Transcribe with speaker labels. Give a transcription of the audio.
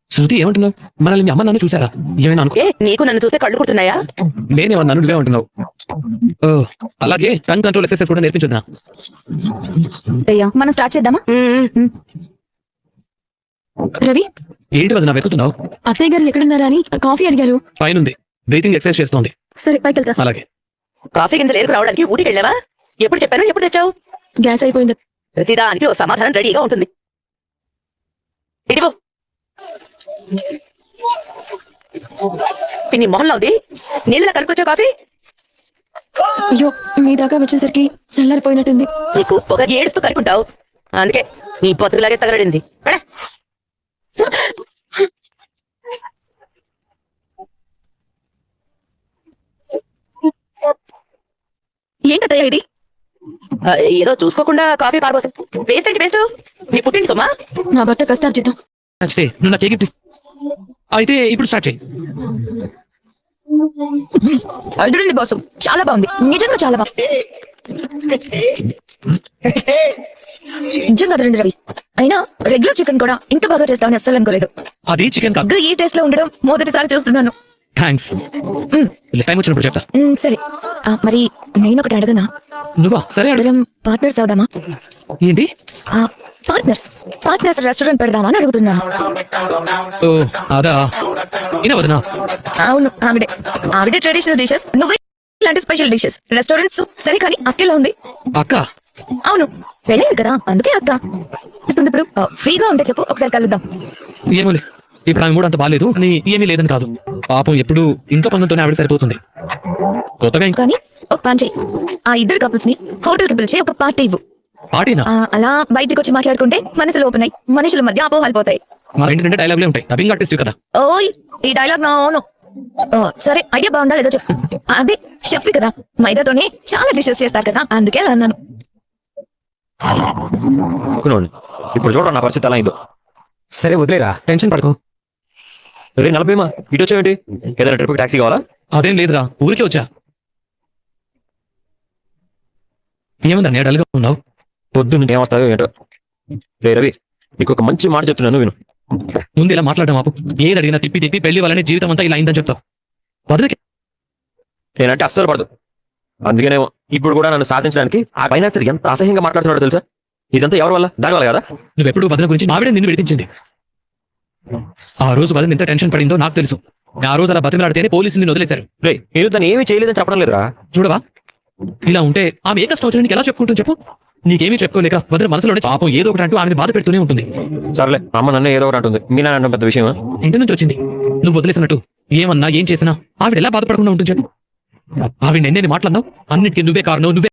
Speaker 1: శృతి ఏమంటున్నావు? మనల్ని మీ అమ్మ నాన్న చూసారా? ఏమైనా అనుకో.
Speaker 2: ఏ నీకు నన్ను చూస్తే కళ్ళు కుడుతున్నాయా?
Speaker 1: నేనేమన్నాను, నువ్వే అంటున్నావు. ఓ, అలాగే టంగ్ కంట్రోల్ ఎక్సర్సైజ్ కూడా నేర్పించొద్దా?
Speaker 3: అయ్యా మనం స్టార్ట్ చేద్దామా? రవి,
Speaker 1: ఏంటి వదినా వెతుకుతున్నావు?
Speaker 3: అత్తయ్య గారు ఎక్కడున్నారా అని కాఫీ అడిగారు.
Speaker 1: పైనుంది, బ్రీతింగ్ ఎక్సర్సైజ్ చేస్తోంది.
Speaker 3: సరే పైకి వెళ్తా.
Speaker 1: అలాగే.
Speaker 2: కాఫీ గింజలు ఏరుకు రావడానికి ఊటికి వెళ్ళావా? ఎప్పుడు చెప్పాను, ఎప్పుడు తెచ్చావు?
Speaker 3: గ్యాస్ అయిపోయింది.
Speaker 2: ప్రతిదానికి ఓ సమాధానం రెడీగా ఉంటుంది. ఇదిగో పిన్ని మొహంలో ఉంది, నీళ్ళ కలుపుకొచ్చావు కాఫీ?
Speaker 3: అయ్యో, మీ దాకా వచ్చేసరికి చల్లారిపోయినట్టుంది.
Speaker 2: నీకు ఒక ఏడుస్తూ కలుపుంటావు, అందుకే నీ బతుకులాగే తగలడింది.
Speaker 3: ఏంటత్తయ్య ఇది?
Speaker 2: ఏదో చూసుకోకుండా కాఫీ పారబోసు. వేస్ట్ ఏంటి వేస్ట్? నీ పుట్టింటి సుమా.
Speaker 3: నా భర్త కష్టార్జితం.
Speaker 1: నచ్చితే నువ్వు నాకు గిఫ్ట్ అయితే ఇప్పుడు స్టార్ట్ చేయి.
Speaker 3: అల్లుడింది బాసు, చాలా బాగుంది, నిజంగా చాలా బాగుంది. నిజంగా రండి రవి, అయినా రెగ్యులర్ చికెన్ కూడా ఇంత బాగా చేస్తామని అస్సలు అనుకోలేదు.
Speaker 1: అది చికెన్ కాదు.
Speaker 3: ఈ టేస్ట్ లో ఉండడం మొదటిసారి చూస్తున్నాను.
Speaker 1: థ్యాంక్స్. టైం వచ్చినప్పుడు చెప్తా.
Speaker 3: సరే, మరి నేను ఒకటి అడగనా?
Speaker 1: నువ్వా? సరే అడుగు.
Speaker 3: మనం పార్ట్నర్స్ అవుదామా?
Speaker 1: ఏంటి?
Speaker 3: పార్ట్నర్స్ రెస్టారెంట్ పెడదామా అని అడుగుతున్నాను.
Speaker 1: ఓ అదా, ఇనా వదినా?
Speaker 3: అవును, ఆవిడే ట్రెడిషనల్ డిషెస్, నువ్వే ఇలాంటి స్పెషల్ డిషెస్. రెస్టారెంట్స్ సరే, కానీ అక్కేలా ఉంది.
Speaker 1: అక్క?
Speaker 3: అవును, పెళ్ళైంది కదా, అందుకే అక్క ఇస్తుంది. ఇప్పుడు ఫ్రీగా ఉంటే చెప్పు, ఒకసారి కలుద్దాం.
Speaker 1: ఏమోలే, ఇప్పుడు ఆమె మూడు అంత బాగాలేదు అని ఏమీ లేదని కాదు. పాపం ఎప్పుడు ఇంట్లో పనులతోనే ఆవిడ సరిపోతుంది. కొత్తగా ఇంకా
Speaker 3: కానీ ఒక పని చెయ్యి, ఆ ఇద్దరు కపుల్స్ ని హోటల్ కి పిలిచి ఒక పార్టీ ఇవ్వు.
Speaker 1: పార్టీనా?
Speaker 3: అలా బయటికి వచ్చి మాట్లాడుకుంటే మనసులు ఓపెన్ అయ్యి మనుషుల మధ్య అపోహలు పోతాయి.
Speaker 1: మా ఇంటి రెండు డైలాగులే ఉంటాయి, డబ్బింగ్ ఆర్టిస్ట్ కదా.
Speaker 3: ఓయ్, ఈ డైలాగ్ నా ఓను. సరే, ఐడియా బాగుందా లేదో చెప్పు. అదే షెఫ్ కదా, మైదాతోనే చాలా డిషెస్ చేస్తారు కదా, అందుకే అలా అన్నాను.
Speaker 4: ఇప్పుడు చూడ నా పరిస్థితి అలా అయిందో. సరే వదిలేరా, టెన్షన్ పడకు. రే నలభైమా, ఇటు వచ్చావేంటి? ఏదైనా ట్రిప్ టాక్సీ కావాలా?
Speaker 1: అదేం లేదురా, ఊరికే వచ్చా. ఏముందా నేను డల్గా ఉన్నావు?
Speaker 4: పొద్దున్న ఏమొస్తావో ఏంటో. రే రవి, నీకు ఒక మంచి మాట చెప్తున్నాను విను.
Speaker 1: ముందు ఇలా మాట్లాడడం ఆపు. ఏది అడిగినా తిప్పి తిప్పి పెళ్లి వాళ్ళని జీవితం అంతా ఇలా అయిందని చెప్తావు. వదిలికి
Speaker 4: నేనంటే అస్సలు పడదు, అందుకనే ఇప్పుడు కూడా నన్ను సాధించడానికి ఆ ఫైనాన్సర్ ఎంత అసహ్యంగా మాట్లాడుతున్నాడో తెలుసా? ఇదంతా ఎవరి వల్ల? దాని వల్ల కదా.
Speaker 1: నువ్వెప్పుడు వదిన గురించి ఆవిడే నిన్ను విడిపించింది. ఆ రోజు వదిన ఎంత టెన్షన్ పడిందో నాకు తెలుసు. ఆ రోజు అలా బతిమలాడితేనే పోలీసులు నిన్ను వదిలేశారు.
Speaker 4: రే, నేను దాన్ని ఏమీ చేయలేదని చెప్పడం లేదురా.
Speaker 1: చూడవా, ఇలా ఉంటే ఆమె ఏ కష్టం వచ్చినా నీకు ఎలా చెప్పుకుంటుంది చెప్పు? నీకేమీ చెప్పుకోలేక వదిన మనసులోనే పాపం ఏదో ఒకటి అంటూ ఆమెను బాధ పెడుతూనే ఉంటుంది.
Speaker 4: సర్లే, అమ్మ నన్ను ఏదో ఒకటి అంటుంది, మీ నాన్న అనడం పెద్ద విషయమా?
Speaker 1: ఇంటి నుంచి వచ్చింది, నువ్వు వదిలేసినట్టు ఏమన్నా ఏం చేసినా ఆవిడ ఎలా బాధపడకుండా ఉంటుంది చెప్పు? ఆవిడ ఎన్నేది మాట్లాడినావు, అన్నిటికీ నువ్వే కారణం, నువ్వే